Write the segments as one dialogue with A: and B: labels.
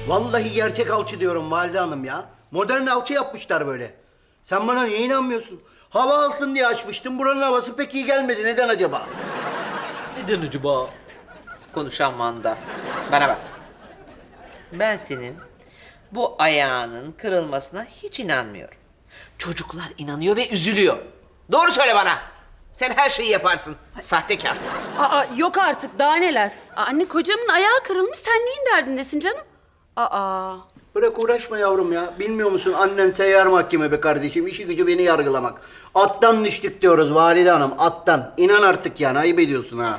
A: Vallahi gerçek alçı diyorum valide hanım ya. Modern alçı yapmışlar böyle. Sen bana niye inanmıyorsun? Hava alsın diye açmıştım. Buranın havası pek iyi gelmedi. Neden acaba?
B: Neden acaba? Konuşan manda. Bana bak. Ben senin bu ayağının kırılmasına hiç inanmıyorum. Çocuklar inanıyor ve üzülüyor. Doğru söyle bana. Sen her şeyi yaparsın. Sahtekar.
C: Aa, yok artık, daha neler. Anne, kocamın ayağı kırılmış, sen neyin derdindesin canım? Aa.
A: Bırak uğraşma yavrum ya. Bilmiyor musun annen seyyar mahkeme be kardeşim. İşi gücü beni yargılamak. Attan düştük diyoruz valide hanım. Attan. İnan artık yani. Ayıp ediyorsun ha.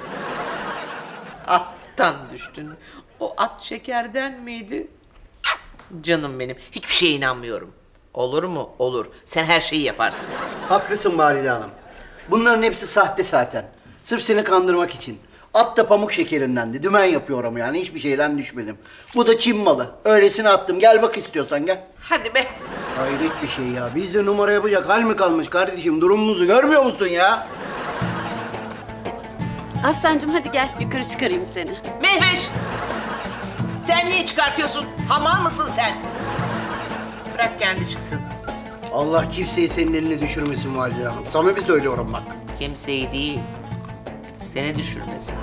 B: Attan düştün. O at şekerden miydi? Canım benim. Hiçbir şeye inanmıyorum. Olur mu? Olur. Sen her şeyi yaparsın.
A: Haklısın valide hanım. Bunların hepsi sahte zaten. Sırf seni kandırmak için. At da pamuk şekerindendi. Dümen yapıyorum yani. Hiçbir şeyden düşmedim. Bu da Çin malı. Öylesine attım. Gel bak istiyorsan gel.
B: Hadi be.
A: Hayret bir şey ya. Bizde numara yapacak hal mi kalmış kardeşim? Durumumuzu görmüyor musun ya?
C: Aslancığım, hadi gel, yukarı çıkarayım seni.
B: Mehveş! Sen niye çıkartıyorsun? Hamal mısın sen? Bırak kendi çıksın.
A: Allah kimseyi senin eline düşürmesin valide hanım. Sana bir söylüyorum bak.
B: Kimseyi değil, seni düşürmesin.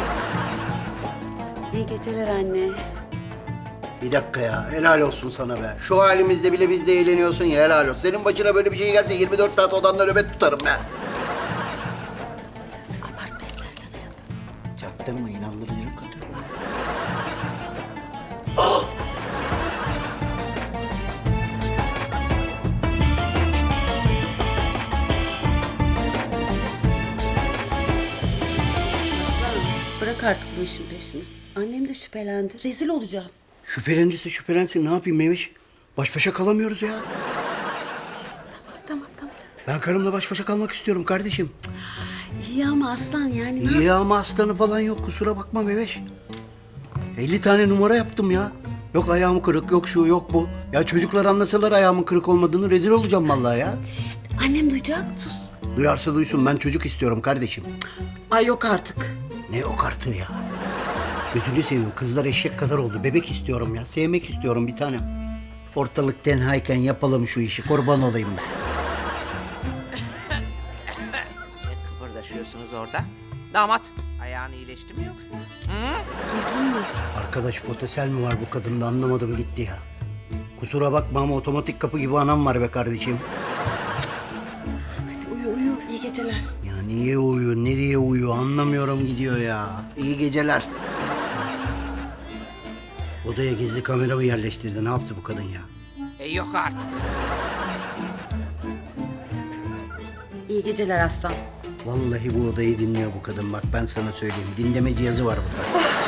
C: İyi geceler anne.
A: Bir dakika ya. Helal olsun sana be. Şu halimizde bile biz de eğleniyorsun ya. Helal olsun. Senin başına böyle bir şey gelse 24 saat odanda nöbet tutarım ben.
C: Abartma istersen hayatım.
A: Çaktırma inandırıcılık katıyorum.
C: Bırak artık bu işin peşini. Annem de şüphelendi. Rezil olacağız.
A: Şüphelenirse şüphelensin. Ne yapayım Memiş? Baş başa kalamıyoruz ya.
C: Tamam.
A: Ben karımla baş başa kalmak istiyorum kardeşim.
C: İyi ama Aslan, yani ne
A: İyi ama aslanı falan yok. Kusura bakma Meveş. 50 tane numara yaptım ya. Yok ayağım kırık, yok şu, yok bu. Ya çocuklar anlasalar ayağımın kırık olmadığını rezil olacağım vallahi ya.
C: Şşt, annem duyacak. Sus.
A: Duyarsa duysun ben çocuk istiyorum kardeşim.
C: Ay yok artık.
A: Ne yok artığı ya. Gözünü seveyim kızlar eşek kadar oldu. Bebek istiyorum ya. Sevmek istiyorum bir tanem. Ortalık tenhayken yapalım şu işi. Kurban olayım ben.
B: Ne kıpırdaşıyorsunuz orada? Damat, ayağın iyileşti mi yoksa?
C: Duydun mu?
A: Arkadaş fotosel mi var bu kadında anlamadım gitti ya. Kusura bakma ama otomatik kapı gibi anam var be kardeşim.
C: Hadi uyu. İyi geceler.
A: Ya niye uyuyor, nereye uyuyor anlamıyorum gidiyor ya. İyi geceler. Odaya gizli kamera mı yerleştirdi? Ne yaptı bu kadın ya?
B: Yok artık.
C: İyi geceler Aslan.
A: Vallahi bu odayı dinliyor bu kadın. Bak ben sana söyleyeyim. Dinleme cihazı var burada.